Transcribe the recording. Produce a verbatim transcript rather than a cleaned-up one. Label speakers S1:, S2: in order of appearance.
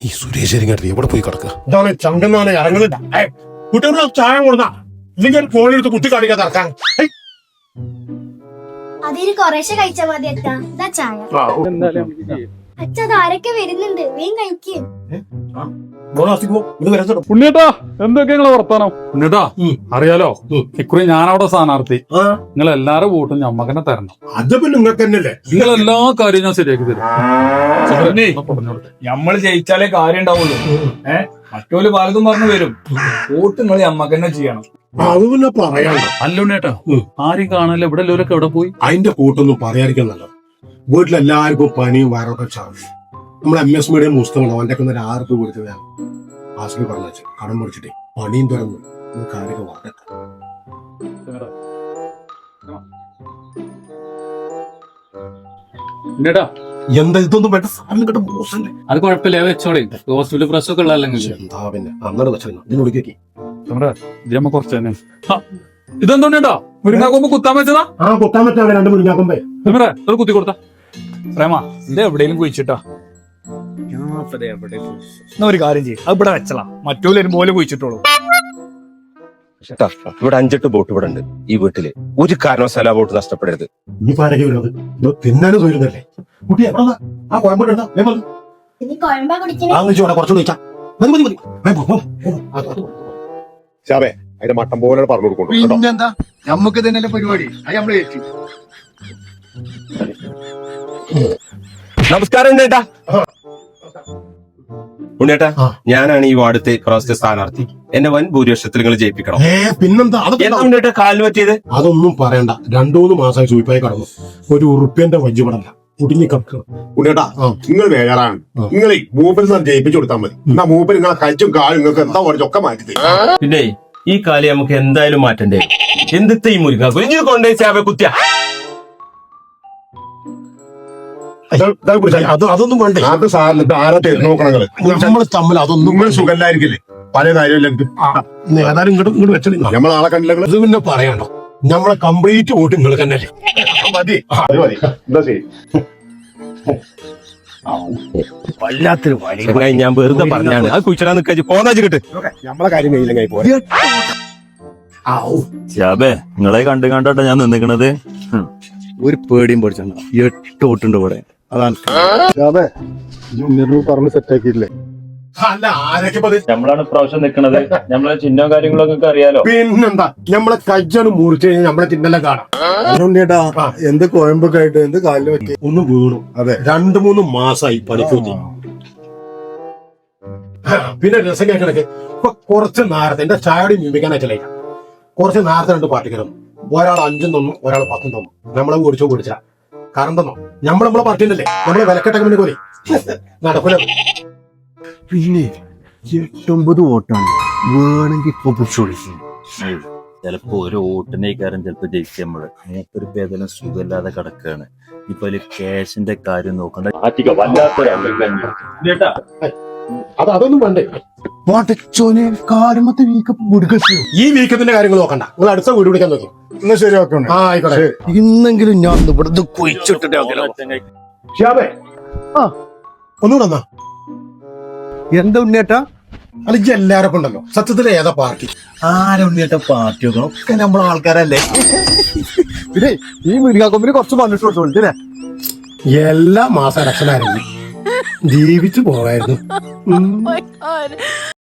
S1: ഈ സുരേഷ് ഇങ്ങോട്ട് എവിടെ പോയി കിടക്കുക?
S2: ഇതാണ് ചങ്കന്നാണ് ഇറങ്ങുന്നില്ല. കുട്ടികളുടെ ചായ കൊടുന്ന ഇല്ലെങ്കിൽ ഫോണെടുത്ത് കുത്തി കാണിക്കാൻ നടക്കാൻ.
S3: അതിന് കുറേശ്ശെ കഴിച്ചാ മതി അച്ഛാ. ഇതാ ചായ. അച്ഛ അതാരൊക്കെ വരുന്നുണ്ട്, വേഗം കഴിക്കേ.
S4: ഉണ്ണിയേട്ടാ, എന്തൊക്കെ നിങ്ങളെ വർത്താനം? ഉണ്ണിയേട്ടാ, അറിയാലോ ഇക്കുറി ഞാനവിടെ സ്ഥാനാർത്ഥി. നിങ്ങൾ എല്ലാരും വോട്ടും ഞമ്മക്കന്നെ തരണം.
S2: അത് പിന്നെ നിങ്ങൾക്ക് തന്നെയല്ലേ.
S4: നിങ്ങൾ എല്ലാ കാര്യവും ഞാൻ ശരിയാക്കി തരും.
S5: ഞമ്മള് ജയിച്ചാലേ കാര്യം ഉണ്ടാവുള്ളൂ. ഏഹ് മറ്റോല് പലതും പറഞ്ഞു വരും. വോട്ട് നിങ്ങൾ ഞമ്മക്ക് തന്നെ ചെയ്യണം.
S2: അത് പിന്നെ പറയാനോ.
S4: അല്ല ഉണ്ണിയേട്ടാ, ആരും കാണാനില്ല. ഇവിടെ എല്ലാവരൊക്കെ എവിടെ പോയി?
S2: അതിന്റെ കൂട്ടൊന്നും പറയാതിരിക്കുന്നല്ലോ. വീട്ടിലെല്ലാവർക്കും പനിയും വയറൊക്കെ ചാവും. നമ്മൾ എം എസ് മീഡിയം പുസ്തകമാണ് അവന്റെ ഒക്കെ ഒരു ആറ് രൂപ കൊടുത്തത്. ഞാൻ ആശുപത്രി പറഞ്ഞു കടം പിടിച്ചിട്ടേ പണിയും തുറന്നു കാര്യമൊക്കെ വളരെ
S4: ഉണ്ണിയേട്ടാ,
S2: എന്താ ഇതൊന്നും വേണ്ട സാധനം കേട്ട മോശമല്ലേ.
S4: അത് കുഴപ്പമില്ല, വെച്ചോളെ. ഹോസ്പിറ്റൽ പ്രസ് ഒക്കെ ഉള്ളതല്ലെങ്കിൽ
S2: എന്താ പിന്നെ അങ്ങനെ വെച്ചാൽ ഇതിനോട് കേക്കി
S4: ഇതിമ്മ കുറച്ച് തന്നെ. ഇതെന്തുണ്ടാ മുരിങ്ങാക്കുമ്പോ കുത്താൻ വെച്ചതാ?
S2: ആ കുത്താൻ പറ്റാ രണ്ട് മുരിങ്ങാക്കുമ്പേ
S4: ഒരു കുത്തി കൊടുത്ത പ്രേമ
S5: ഇത് എവിടെയും കുഴിച്ചിട്ടാ. എന്നാ ഒരു കാര്യം ചെയ്യും, അത് ഇവിടെ വെച്ചലാ. മറ്റോല് വരുമ്പോലെ കുഴിച്ചിട്ടോളൂ.
S1: ഇവിടെ അഞ്ചെട്ട് ബോട്ട് ഇവിടെ ഉണ്ട്. ഈ വീട്ടില് ഒരു കാരണവശാലും ആ ബോട്ട് നഷ്ടപ്പെടരുത്.
S2: ഈ പാരക്ക് വരുന്നത് തിന്നാനും തോരുന്നല്ലേ കുട്ടി. ആ കോയമ്പോട്ട്
S3: ഇനി കൊഴമ്പാ കുടിക്കണേ.
S2: കുറച്ചുകൂടി വെച്ചാ മതി മതി മതി. ശാബേ അതിന്റെ മട്ടം പോലെ പറഞ്ഞു കൊടുക്കും.
S5: പിന്നെന്താ, നമുക്ക് തന്നെ പരിപാടി. അത് നമ്മള് ഏറ്റു.
S1: നമസ്കാരം ഉണ്ണേട്ടാ. ഉണ്ണേട്ടാ, ഞാനാണ് ഈ വാർഡത്തെ പ്രാവശ്യത്തെ സ്ഥാനാർത്ഥി. എന്നെ വൻ ഭൂരിപക്ഷത്തിൽ നിങ്ങൾ ജയിപ്പിക്കണം.
S2: ഏ പിന്നെന്താ
S1: ഉണ്ണേട്ടാ കാലിന് പറ്റിയത്?
S2: അതൊന്നും പറയണ്ട. രണ്ടു മൂന്ന് മാസമായി സൂയിപ്പായി കടന്നു. ഒരു ഉറുപ്പ്യന്റെ വജ്ജുപടല്ല കുടുങ്ങി കിടക്കണം.
S6: ഉണ്ണേട്ടാ, നിങ്ങൾ വേഗറാണ്. നിങ്ങൾ മൂപ്പര് സാർ ജയിപ്പിച്ചു കൊടുത്താൽ മതി. എന്നാ മൂപ്പര് നിങ്ങളെ കച്ചും കാലും നിങ്ങൾക്ക് എന്താ ഒക്കെ മാറ്റി.
S1: പിന്നെ ഈ കാലി നമുക്ക് എന്തായാലും മാറ്റണ്ടേ. എന്തിത്തെ ഈ മുരുക കുഞ്ഞു കൊണ്ടേ ചാവ കുത്തിയ
S2: അത് അതൊന്നും വേണ്ടേ.
S6: അത് സാറിന് ആരാ തരുന്ന നോക്കണങ്ങള്
S2: നമ്മൾ തമ്മിൽ അതൊന്നും
S6: നിങ്ങൾ സുഖല്ലായിരിക്കില്ലേ പല കാര്യമില്ല.
S2: ഏതായാലും ഇങ്ങോട്ട് ഇങ്ങോട്ട് വെച്ചാൽ
S6: നമ്മൾ ആളെ കണ്ടില്ല.
S2: ഇത് പിന്നെ പറയണ്ടോ. നമ്മളെ കംപ്ലീറ്റ് വോട്ട് നിങ്ങൾ തന്നെയല്ലേ.
S6: മതി അത് മതി. എന്താ ശരി.
S1: വല്ലാത്തൊരു വഴി. ഞാൻ വെറുതെ പറഞ്ഞാണ്. അത് കുഴിച്ചിടാൻ നിൽക്കാ പോന്നാ കിട്ട്.
S6: നമ്മളെ കാര്യം കഴിയില്ലെങ്കിൽ പോരെ.
S7: ശാബേ, നിങ്ങളെ കണ്ടു കണ്ടോട്ടെ ഞാൻ നിന്നിക്കണത്. ഒരു പേടിയും പഠിച്ചാണ്. എട്ട് വോട്ടുണ്ട് ഇവിടെ. അതാണ്
S6: പറഞ്ഞ് സെറ്റാക്കിയില്ലേ.
S2: അല്ല ആരൊക്കെ
S7: നമ്മളാണ് പ്രാവശ്യം നിക്കണത്. നമ്മളെ ചിഹ്നവും കാര്യങ്ങളൊക്കെ അറിയാലോ.
S2: പിന്നെന്താ നമ്മളെ കജ്ജാണ് മുറിച്ച് കഴിഞ്ഞാൽ നമ്മളെ തിന്നെല്ലാം കാണാം.
S6: എന്ത് കോയമ്പൊക്കെ ആയിട്ട് എന്ത് കാലിന് പറ്റി
S2: ഒന്ന് വീണു.
S6: അതെ,
S2: രണ്ടു മൂന്ന് മാസമായി പണിക്കൂത്തി. പിന്നെ രസം കേൾക്കണൊക്കെ ഇപ്പൊ കുറച്ച് നേരത്തെ എന്റെ ചായയോടെ മീമിക്കാനായിട്ടില്ല. കുറച്ച് നേരത്തെ രണ്ട് പാർട്ടിക്കാരും ഒരാൾ അഞ്ചും തന്നു, ഒരാൾ പത്തും തന്നു. നമ്മളെ കുടിച്ചോ കുടിച്ച കാരണം തന്നോ നമ്മൾ നമ്മളെ പാർട്ടിയിലല്ലേ. നമ്മളെ വിലക്കെട്ടൊക്കെ വേണ്ടി പോലെ നടക്കൂല.
S7: പിന്നെ എട്ടൊമ്പത് വോട്ടാണ് വേണമെങ്കിൽ ഇപ്പൊ പിടിച്ചോളി. ചിലപ്പോ ഒരു വോട്ടിന്റെ കാര്യം ചിലപ്പോ ജയിക്കുക. നമ്മള് മൂപ്പര് പേദനം സുഖമില്ലാതെ കിടക്കുകയാണ്. ഇപ്പൊ അതില് ക്യാഷിന്റെ കാര്യം നോക്കണ്ട.
S2: അത് അതൊന്നും വേണ്ടേ. ഈ വീക്കത്തിന്റെ കാര്യങ്ങൾ നോക്കണ്ട. നിങ്ങൾ അടുത്ത വീട് പിടിക്കാൻ നോക്കി.
S6: എന്നാ ശരി ഓക്കെ.
S2: ആ ആയിക്കോട്ടെ.
S7: ഇന്നെങ്കിലും ഞാൻ ഇവിടുന്ന് കുഴിച്ചിട്ടിട്ട്
S2: ഷിയാബേ ആ ഒന്നുകൂടെ എന്നാ.
S7: എന്താ ഉണ്ണിയേട്ടാ?
S2: അല്ല ഇജ്ജ് എല്ലാവരും ഉണ്ടല്ലോ. സത്യത്തിൽ ഏതാ പാർട്ടി?
S7: ആരാ ഉണ്ണിയേട്ടാ പാർട്ടിയൊക്കെ? ഒക്കെ നമ്മളെ ആൾക്കാരല്ലേ.
S5: പിന്നെ ഈ മുരിങ്ങാക്കൊമ്പിന് കുറച്ച് മണ്ണിട്ട്
S2: എല്ലാ മാസം ഇലക്ഷനായിരുന്നു ജീവിച്ചു പോകായിരുന്നു.